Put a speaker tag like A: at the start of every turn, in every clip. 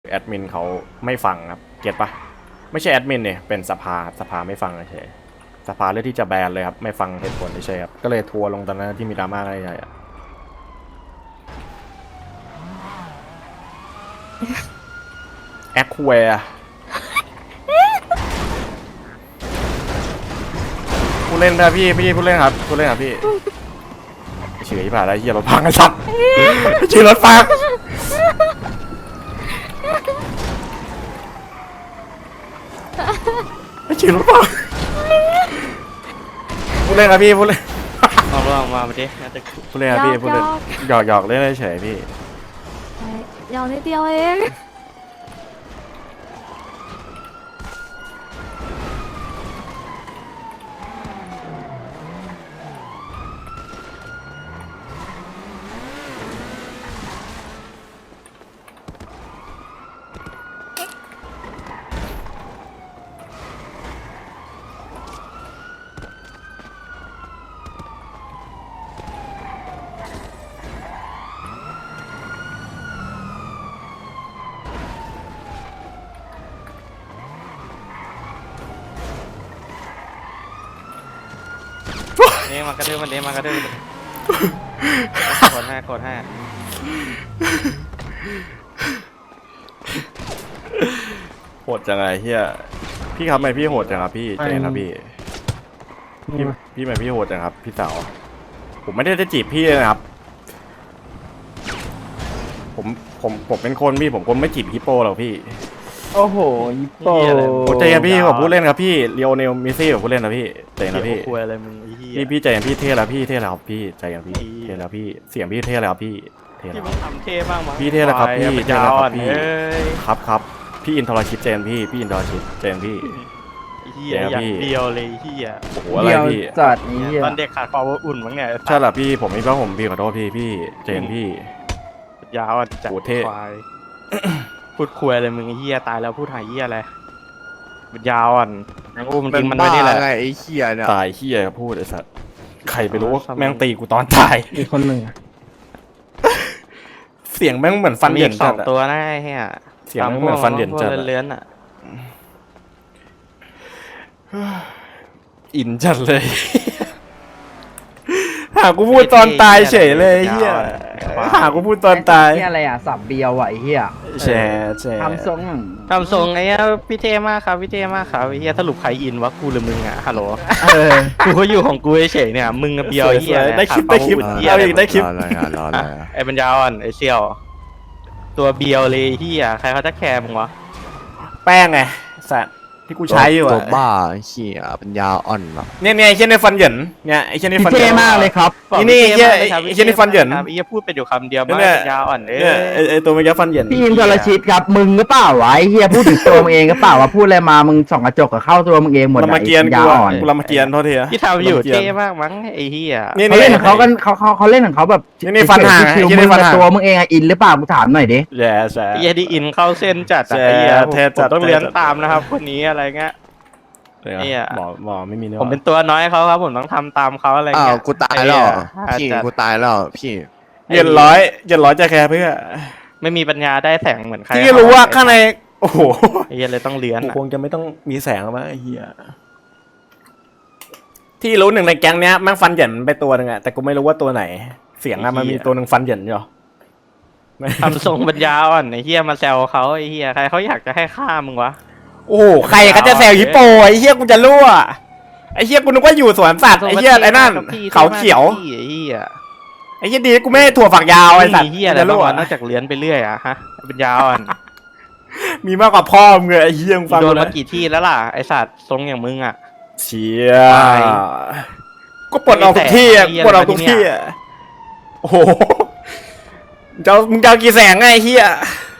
A: แอดมินเขาไม่ฟังครับเก็ตปะไม่ใช่แอดมินเนี่ยเป็นสภาไม่ฟังเฉยสภาเลือกที่จะแบนเลยครับไม่ฟังเหตุผลเฉยครับก็เลยทัวร์ลงตอนนั้นที่มีดราม่าอะไรใหญ่อะแอคแวร์ผู้เล่นนะพี่ผู้เล่นครับผู้เล่นครับพี่เฉยผ่านอะไรเฮียรถพังไอ้สัตว์เฉยรถพังเฉยรถพังผู้เล่นครับพี่ผู้เล่น
B: ลองมาดิน่าจะ
A: ผู้เล่นครับพี่ผู้เล่นหยอกเล่นเฉยพี่
C: ยาวนิดเดียวเอง
B: นี่มากระดื้อมันมากระดื้อกดให้
A: โหดจังไงเฮียพี่ครับทำไมพี่โหดจังครับพี่เจนครับพี่ทำไมพี่โหดจังครับพี่สาวผมไม่ได้จะจีบพี่เลยนะครับผมเป็นคนพี่ผมคนไม่จีบฮิปโปหรอกพี่
D: โอ้โหยิปโป้
A: ผมใจเย็นพี่ผมพูดเล่นครับพี่เลียวเนลมิซี่ผมพูดเล่นนะพี่ใจเย็นนะพี่
B: คุยอะไรมึงไอ้เหี้ย
A: พี่ใจเย็นพี่เท่แล้วพี่เท่แล้วพี่ใจเย็นพี่เท่แล้วพี่เสียงพี่เท่แล้วพี่เท่
B: ที่
A: แล้ว
B: มึงทำเท่บ้างมั้ง
A: พี่เท่แล้วครับพี่
B: เป็น
A: เท่
B: ยา
A: แล้ว
B: ว
A: ค
B: อ่
A: รั
B: อบ น
A: พี่
B: เอ้ย
A: ครับพี่อินทรชิตเจนพี่อินทรชิตเจนพี่
B: เหี้ยอย่างเดียวเลยเหี้ย
A: โอ้โหอะไร
D: เดียว
A: พี่
D: จัดนี้เหี้ย
B: ตอนเด็กขาดความอบอุ่นมั้งเนี่ย
A: ใช่เหรอพี่ผมไม่เพราะผมพี่ขอโทษพี่เจนพี่
B: ยาวอ่ะจัด
A: โอ้เท่
B: ควายพูดคุยอะไรมึงไอ้เหี้ยตายแล้วพูดหายเหี้ยอะไรเป็นยาวอ่อนยังอุ้มจริงมันไม่ได้แหละ
E: ไงไอ้เหี้ยเนี่ย
A: ตายเฮียพูดไอ้สัตว์ใครไปรู้ว่าแม่งตีกูตอนตาย
D: อีกคนหนึ่ง
A: เสียงแม่งเหมือนฟัน
B: มี
A: เหยิ
B: อี
A: น
B: กส
A: จั
B: อ
A: ด
B: ง
A: อะ
B: ตัวนะไอ้เหี้ย
A: เสียงแม่งเหมือนฟันเหยินจัดอะ
B: เลื้อนๆอ่ะ
A: อินจัดเลย หากูพูดตอนตายเฉยเลยเฮียหากูพูดตอนตาย
D: เหี้ยอะไรอ่ะสับเบียวอ่ะไอ้เหี้ย
A: แชร์แชร์
D: ทำทรง
B: ทำทรงไอ้เหี้ยพี่เท่มากครับพี่เท่มากครับไอ้เหี้ยสรุปใครอินวะกูหรือมึงอ่ะฮัลโหล
D: เออ
B: กูก็อยู่ของกูเฉยๆเนี่ยมึงกับเบียวไอ้เหี้ย
A: ได้คลิป
B: ขา
A: ได้คลิป
B: วามอบอุ่นเหี้ย
A: เอา
B: อะไร
A: อีกได้คลิป
E: รออะไรอ่ะรออะไรอ่ะ
B: ไอ้ปัญญาอ่อนไอ้เซี่ยว ตัวเบียวเลยเหี้ยใครเขาจะแคร์มึงวะ
A: แป้งไงสัตว์ที่กูใช้อยู่
E: ตัว
A: อะ
E: บ้าไอ้เหี้ยปัญญาอ่อนอ่ะ
A: เนี่ยไอ้เช่นในฟันเหยินเนี่ยไอ้เช่นใน
D: พี่
A: ฟันเห
D: เท่
A: ยิน
D: มากเลยครับ
A: นี่นี่
B: พี่
A: ไอ้
B: ท่
A: ไอ้เช่นในฟันเหยิน
B: ครับไอ้เหี้ยพูดไปอยู่คำเดียวมา
A: เนี่ย
B: ปัญญาอ่อนเอ้
A: เนี่ย
B: ย
A: ไอ้ตัวเมื่อกี้ฟันเหยิน
D: พี่อินทรชิตครับมึงก็เปล่าวะไอ้เหี้ยพูดถึงตัวมึงเองก็เปล่าวะพูดอะไรมามึงส่องกระจกกับเข้าตัวมึงเองหมด
A: ลำมาเกียน
D: ยา
A: กู
D: อ่อน
A: กูลำมาเกียนโทษทีอะ
B: ที่ทำอยู่
A: ลำมากีน
B: เท่มากมั้งไอ้เหี้ย
A: นี่
D: เขาเล่นของเขากันเขาเล่นของเขาแบบ
A: นี่ฟันห่าง
D: ชิว
A: ไอ้
D: ๆ
A: เหี้ยนี่
D: มึง
A: ฟัน
D: กับ
A: ห่าง
D: ตัวมึงเองอะอินหรือเปล่ากูถามหน่อยดิ
A: แย่แย่
B: ไอ้เหี้ยที่อินเข้าเส้นจัดอะ
A: แชร์
B: ไอ้เหี้ย
A: เท่จัด
B: ผมต้องเลี้ยง
A: เท่จัด
B: ตามนะครับคนนี้อะไรเงี้ย เนี่ย
A: หมอไม่มีเนื้อ
B: ผมเป็นตัวน้อยเขาครับผมต้องทำตามเขาอะไร
E: อ้าว
B: เงี้ย
E: กูตายแล้ว
B: ไอ้
E: พี่
B: เหี้ย
E: กูตายแล้วพี่
A: เย็นร้อยจะแคร์เพื่อ
B: ไม่มีปัญญาได้แสงเหมือนใคร
A: ที่รู้ว่าข้างในโอ้โห
B: ไอ้เหี้ยเลยต้องเลี้ยง
A: กู
B: อะ
A: คงจะไม่ต้องมีแสงแล้วมั้งไอ้เหี้ยที่รู้หนึ่งในแก๊งเนี้ยแม่งฟันเหยินไปตัวหนึ่งอะแต่กูไม่รู้ว่าตัวไหน เสียงอะมันมีตัวหนึ่งฟันเหยินอยู่ไม่
B: ทำทรงปัญญาอ่อนไอ้เหี้ยมาแซวเขาไอ้เหี้ยใครเขาอยากจะให้ฆ่ามึงวะ
A: โอ้โหใครก็จะแซวฮิปโปไอ้เหี้ยกูจะรั่วไอ้เหี้ยกูนึกว่าอยู่สวนสัตว์ไอ้เหี้ยไอ้นั่นเขาเขียว
B: ไอ้เหี้ย
A: ไอ้เหี้ยดีกูไม่ให้ถั่วฝักยาวไอ้สัตว์
B: เหี้ยอะไร
A: จะ
B: บ้าง
A: รั่ว
B: วะนอกจากเลี้ยนไปเรื่อยอะฮะปัญญาอ่อน
A: มีมากกว่าพ่อมึงเลยไอ้เหี้ยมึงฟัง
B: โด
A: กู
B: นมา
A: นะ
B: กี่ที่แล้วล่ะไอสัตว์ทรงอย่างมึงอะ
A: เชี่ย
B: ตาย
A: ก็ปลดออกทุกที่อะ
B: ไอ้แสง
A: ปลดออกทุกที่อะโอ้โหมึงจะเอากี่แสงไงไอ้เหี้ย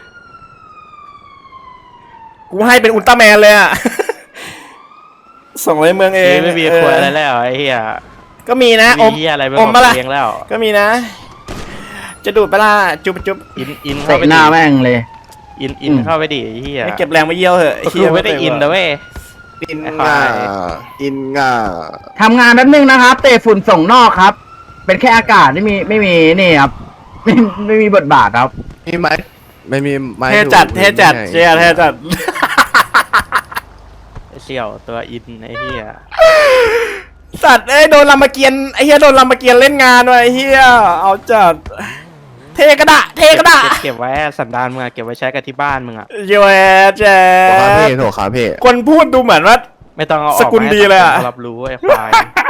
A: กูให้เป็นอุลตร้าแมนเลยอะ ส่งไปเมืองเอง
B: ไม่มีควยอะไรแล้วไอ้เหี้ย
A: ก็มีนะอ
B: มี
A: ม
B: เหี้ยอะไรไป
A: อมปะล่ะ
B: เลี้ยงแล้ว
A: ก็มีนะ จะดูดปะล่ะจุ๊บจุ๊บ
B: อินเข้า
D: เตะ
B: ไป
D: ห
B: ดิ
D: น้าแม่งเลย
B: อินเข้าไปดิไอ้เหี้ย
A: ให้เก็บแรงมาเยี่ยวเหอะไอ้
B: คื
A: เหี้ย
B: อไม่ได้อินนะเว้ย
E: อินง่าอินง่า
D: ทำงานแป๊บนึงนะครับเตะฝุ่นส่งนอกครับ เป็นแค่อากาศไม่มีนี่ครับไม่มีบทบาทครับ
E: มีไหมไม่มีไม้
A: เท่จัด
E: ดู
A: เท่จัด
E: ไม่
A: เชียเท่จัด
B: ไอ้เสี่ยวตัวอินไอ้เหี้ย
A: สัตว์เอ้ยโดนรามเกียรติ์ไอ้เหี้ยโดนรามเกียรติ์เล่นงานว่ะไอ้เหี้ยเอาจัดเทกระดะเทกระดะ
B: เก็บไว้สันดานมึงอะเก็บไว้ใช้กับที่บ้านมึงอะ
A: เยอะแจ๊
E: โถคาเพ่โถคาเพ่
A: คนพูดดูเหมือนว่า
B: ไม่ต้องเอาออก
A: สกุลดีเลยอะ
B: ให้สังคมรับรู้ไอ้ควาย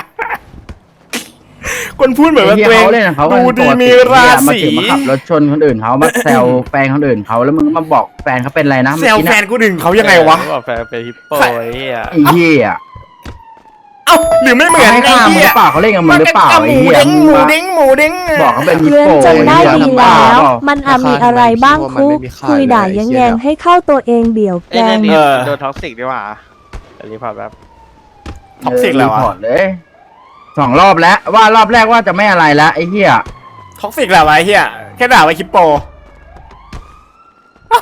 A: คนพูดเหมือนว่า
D: ไอ้
A: ตัว
D: เหี้ย
A: เอง
D: เขาเล่นของเขา
A: ดูดี
D: ปกติ
A: มีรา
D: มา
A: ศี
D: ถึงมาขับรถชนคนอื่นเขามาแซวแฟนคนอื่นเขาแล้วมึงก็มาบอกแฟนเขาเป็นอะไรนะ
A: แซว
D: เมื่อกี้
A: แฟ
D: นะ
A: นกูดึงเขายังไงวะ
B: เออบอกแฟนเป็นฮิปโปไอ้เหี้ย
D: ไอ้เหี้ย
A: เอ้าหรือไม่เหมือน
D: เขาให้
A: ไอ้
D: ฆ่ามึงห
A: เหี้
D: รื
A: ย
D: อเปล่าเขาเล่นกับมึงหรือเปล่า
A: ห
D: ไอ้
A: มู
D: เหี้ย
A: เด้ง
D: มึง
A: หมู
D: มา
A: เด้งหมูเด้ง
D: บอกเขาเป็นฮิป
C: เพื่อน
D: โป
C: จนได้
D: ไอ้
C: ดี
D: เหี้ยบ้า
C: แล้ว
D: เปล่า
C: มันอาจมีอะไรบ้างคุกคุยด่าแยงๆให้เข้าตัวเองเบี่ยวแก
B: ไอ้เนี่ย
C: ง
B: นี่โดนท็อกซิกดีกว่าอันนี้พอแบบ
A: ท็อกซิกแล้ว
D: รีพอ
A: อะ
D: ร์ตเลย2 รอบแล้วว่ารอบแรกว่าจะไม่อะไรแล้วไอ้เหี้ย
A: ท็อกซิกแล้ววะไอ้เหี้ยแค่ด่าไว้คิปโปเอ้า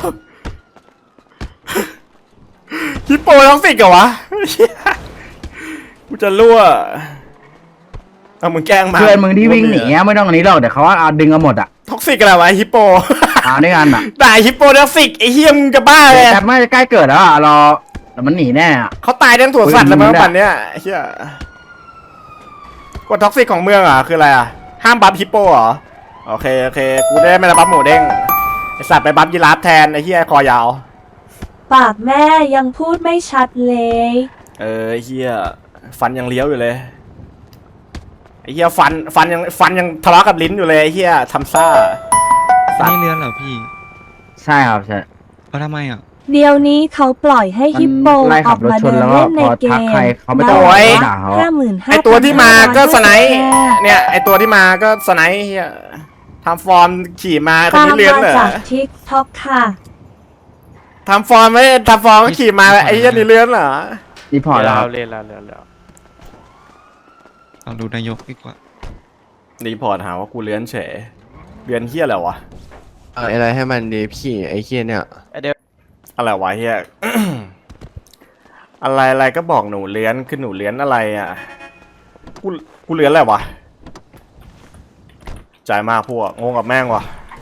A: คิปโปท็อกซิกเหรอวะเหี้ยกูจะรั่วเอามึงแกล้งมา
D: เพื่อนมึงที่วิ่งหนีอะไม่ต้องอันนี้หรอกเดี๋ยวเขาเอาดึงเอาหมดอ่ะ
A: ท็อกซิกอะไรวะฮิปโป
D: ด้วยกันอ่ะ
A: ด่าฮิปโปท็อกซิกไอ้เฮียมึงจะบ้าเลย
D: แต่ไม่ใกล้เกิดแล้วอ่ะรอแต่มันหนีแน่อ่ะ
A: เขาตายทั้งถั่วสัตว์แล้วมั้ง
D: มึงเนี่ย
A: ปันเนี้ยไอ้เฮียกฎท็อกซิกของเมืองอ่ะคืออะไรอ่ะห้ามบัฟฮิปโปเหรอโอเคโอเคกูได้ไม่ได้บัฟหมูเด้งไอสัตว์ไปบัฟยีราฟแทนไอ้เฮียคอยาว
C: ปากแม่ยังพูดไม่ชัดเลย
A: ไอ้เฮียฟันยังเลี้ยวอยู่เลยไอ้เฮียฟันยังทะเลาะกับลิ้นอยู่เลยไอ้เฮียทำซ่า
F: อันนี้เรือนเหรอพี่
D: ใช่ครับใช่
F: เอาทำไมอ่ะ
C: เดี๋ยวนี้เขาปล่อยให้ฮิปโป
D: ไล่
C: อ
D: ขั
C: อบ ก
D: รถ
C: มา
D: ชน
C: เดิน
D: แล้วก็
C: เล่นใน
D: พอ
C: เก
D: ทัก
C: ม
D: ใครเขาไม่ต้อง
A: โอ้ย
D: ด่าเขา
C: 55,000
A: ไอตัวที่มาก็สไนป์เนี่ยไอตัวที่มาก็สไนป์เฮียทำฟอร์มขี่มาคน
C: ตาม
A: นี้เลี้ยง
C: มา
A: เหรอ
C: จากทิกท็อกค่ะ
A: ทำฟอร์มไม่ทำฟอร์มก็ขี่มาไอ้เหี้ยนี่เลื้อนเหรอ
D: รีพอร์ตแล้ว
B: เล่นแล้ว
F: ลองดูนายกดีกว่า
A: รีพอร์ตหาว่ากูเลื้อนเฉยเลื้อนเหี้ยอะไรวะ
E: อะไรให้มันดีพี่ไอ้เคียเนี่ย
B: ไอ้เดี๋ยว
A: อะไรวะเหี้ย อะไรก็บอกหนูเลื้อนคือหนูเลื้อนอะไรอ่ะกูเลื้อนอะไรวะใจมากพวกงงกับแม่งวะ